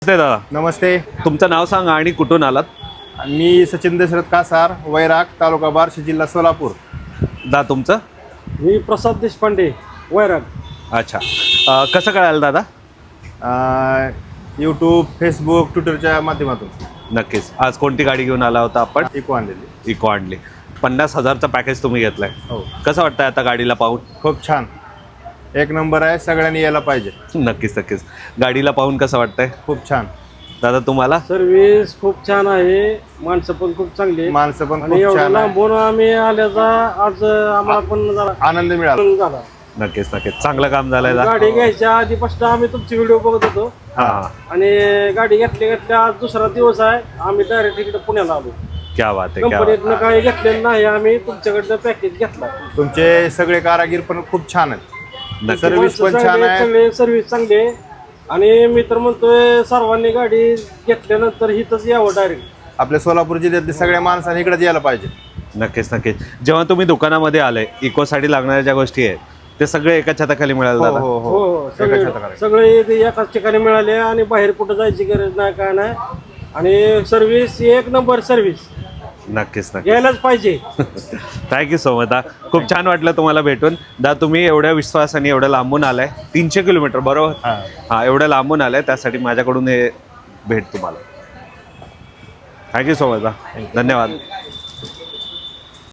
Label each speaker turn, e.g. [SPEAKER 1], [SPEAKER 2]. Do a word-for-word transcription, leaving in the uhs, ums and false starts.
[SPEAKER 1] नमस्ते दादा.
[SPEAKER 2] नमस्ते.
[SPEAKER 1] तुमचं नाव सांगा आणि कुठून आलात?
[SPEAKER 2] मी सचिन दशरथ कासार, वैराग, तालुका बार्शी, जिल्हा सोलापूर.
[SPEAKER 1] दा तुमचं?
[SPEAKER 3] मी प्रसाद देशपांडे, वैराग.
[SPEAKER 1] अच्छा. अ, कसं कळालं दादा?
[SPEAKER 2] यूट्यूब, फेसबुक, ट्विटरच्या माध्यमातून.
[SPEAKER 1] नक्कीच. आज कोणती गाडी घेऊन आला होता आपण?
[SPEAKER 2] इको आणलेली.
[SPEAKER 1] इको आणली. पन्नास हजारचा पॅकेज तुम्ही घेतलाय.
[SPEAKER 2] हो.
[SPEAKER 1] कसं वाटतंय आता गाडीला पाहून?
[SPEAKER 2] खूप छान, एक नंबर आहे. सगळ्यांनी यायला पाहिजे.
[SPEAKER 1] नक्कीच नक्कीच. गाडीला पाहून कसं वाटतंय
[SPEAKER 2] खूप छान.
[SPEAKER 1] दादा तुम्हाला?
[SPEAKER 3] सर्व्हिस खूप छान आहे, माणसं पण खूप चांगली आहेत.
[SPEAKER 2] माणसं पण
[SPEAKER 3] आणि
[SPEAKER 2] खूप
[SPEAKER 3] एवढं
[SPEAKER 2] छान आहे.
[SPEAKER 3] लांबून आम्ही आल्याचा आज आम्हाला पण जरा
[SPEAKER 2] आनंद मिळाला.
[SPEAKER 3] आनंद झाला.
[SPEAKER 1] नक्कीच नक्कीच. चांगलं काम झालंय दादा.
[SPEAKER 3] गाडी घ्यायच्या आधीपासून आम्ही तुमची व्हिडिओ बघत होतो
[SPEAKER 1] हा हा.
[SPEAKER 3] आणि गाडी घेतल्या घेतल्या आज दुसरा दिवस आहे. आम्ही डायरेक्ट इकडे पुण्याला आलो.
[SPEAKER 1] क्या बात आहे, क्या बात
[SPEAKER 3] कंपनीतनं काही घेतलेलं नाही, आम्ही तुमच्याकडनं पॅकेज घेतला.
[SPEAKER 2] तुमचे सगळे कारागीर पण खूप छान आहेत.
[SPEAKER 1] नक्की.
[SPEAKER 2] सर्व्हिस पण छान आहे.
[SPEAKER 3] सगळे सर्व्हिस चांगली आहे. आणि मी तर म्हणतोय सर्वांनी गाडी घेतल्यानंतर हिथंच यावं डायरेक्ट.
[SPEAKER 2] आपल्या सोलापूर जिल्ह्यातल्या सगळ्या माणसांनी इकडेच यायला पाहिजे.
[SPEAKER 1] नक्कीच नक्कीच. जेव्हा तुम्ही दुकानामध्ये आले, इकोसाठी लागणाऱ्या ज्या गोष्टी आहेत ते सगळे एका छताखाली मिळालं
[SPEAKER 2] हो
[SPEAKER 1] दादा?
[SPEAKER 2] हो
[SPEAKER 3] हो
[SPEAKER 2] हो
[SPEAKER 3] हो,
[SPEAKER 2] एका
[SPEAKER 3] सगळे
[SPEAKER 2] छताखाली.
[SPEAKER 3] सगळे इथे एकाच ठिकाणी मिळाले आणि बाहेर कुठं जायची गरज नाही, काय नाही. आणि सर्व्हिस एक नंबर सर्व्हिस
[SPEAKER 1] नक्कीच नक्कीच.
[SPEAKER 3] घ्यायलाच पाहिजे.
[SPEAKER 1] थँक्यू सो मच दा. खूप छान वाटलं तुम्हाला भेटून. दा तुम्ही एवढ्या विश्वासाने एवढ्या लांबून आलाय, तीनशे किलोमीटर बरोबर?
[SPEAKER 2] हा.
[SPEAKER 1] हां, एवढ्या लांबून आलाय, त्यासाठी माझ्याकडून हे भेट तुम्हाला. थँक्यू सो मच दा. धन्यवाद.